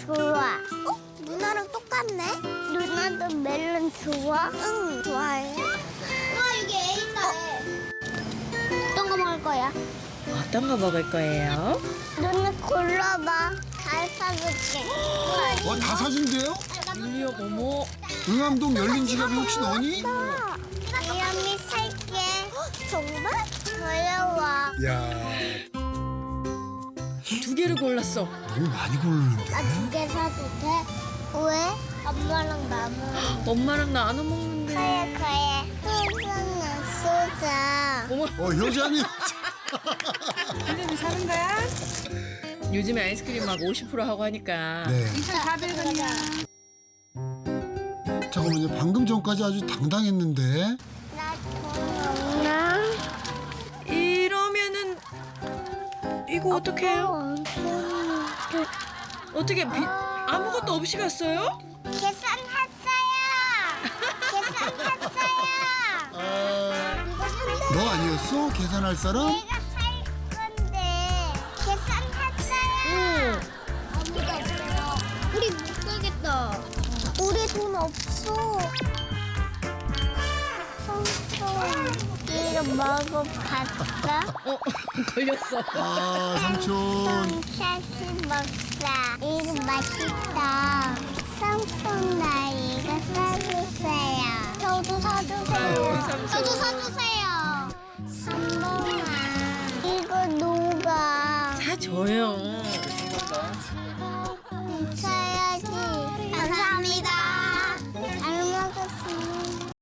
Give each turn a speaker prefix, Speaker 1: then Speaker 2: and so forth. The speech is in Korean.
Speaker 1: 좋아.
Speaker 2: 누나랑 똑같네.
Speaker 1: 누나도 멜론 좋아?
Speaker 2: 응, 좋아해. 와, 여기 애 있다.
Speaker 1: 어떤 거 먹을 거야?
Speaker 3: 어떤 거 먹을 거예요?
Speaker 1: 누나 골라봐. 잘 사줄게.
Speaker 4: 다 사준대요?
Speaker 3: 율리야, 어머.
Speaker 4: 응암동 열린 지갑이 혹시 너니?
Speaker 1: 이름이 살게.
Speaker 2: 정말?
Speaker 1: 어려워.
Speaker 4: 야,
Speaker 3: 두 개를 골랐어.
Speaker 4: 너무 많이 고르는데.
Speaker 1: 나 두 개 사도 돼? 왜? 엄마랑 나는.
Speaker 3: 엄마랑 나눠 먹는데.
Speaker 1: 그래. 소주는 쏘자.
Speaker 3: 어머,
Speaker 4: 효자님.
Speaker 5: 이름이 사는 거야?
Speaker 3: 요즘에 아이스크림 막 50% 하고 하니까.
Speaker 4: 네.
Speaker 5: 2,400원이야.
Speaker 4: 잠깐만요. 방금 전까지 아주 당당했는데.
Speaker 1: 나 돈 없나?
Speaker 3: 이러면은 이거 어떡해요? 어떻게 아무것도 없이 갔어요?
Speaker 1: 계산했어요.
Speaker 4: 너 아니었어? 계산할 사람?
Speaker 1: 내가 살 건데 계산했어요. 아무도 없어요. 우리 못 살겠다.
Speaker 2: 우리 돈 없어.
Speaker 1: 이거 먹어봤어?
Speaker 3: 걸렸어.
Speaker 4: 아, 삼촌.
Speaker 1: ሻ시 먹자. 이거 맛있다. 삼촌 나 이거 사주세요.
Speaker 2: 저도 사주세요.
Speaker 3: 아유, 삼촌.
Speaker 2: 저도 사주세요.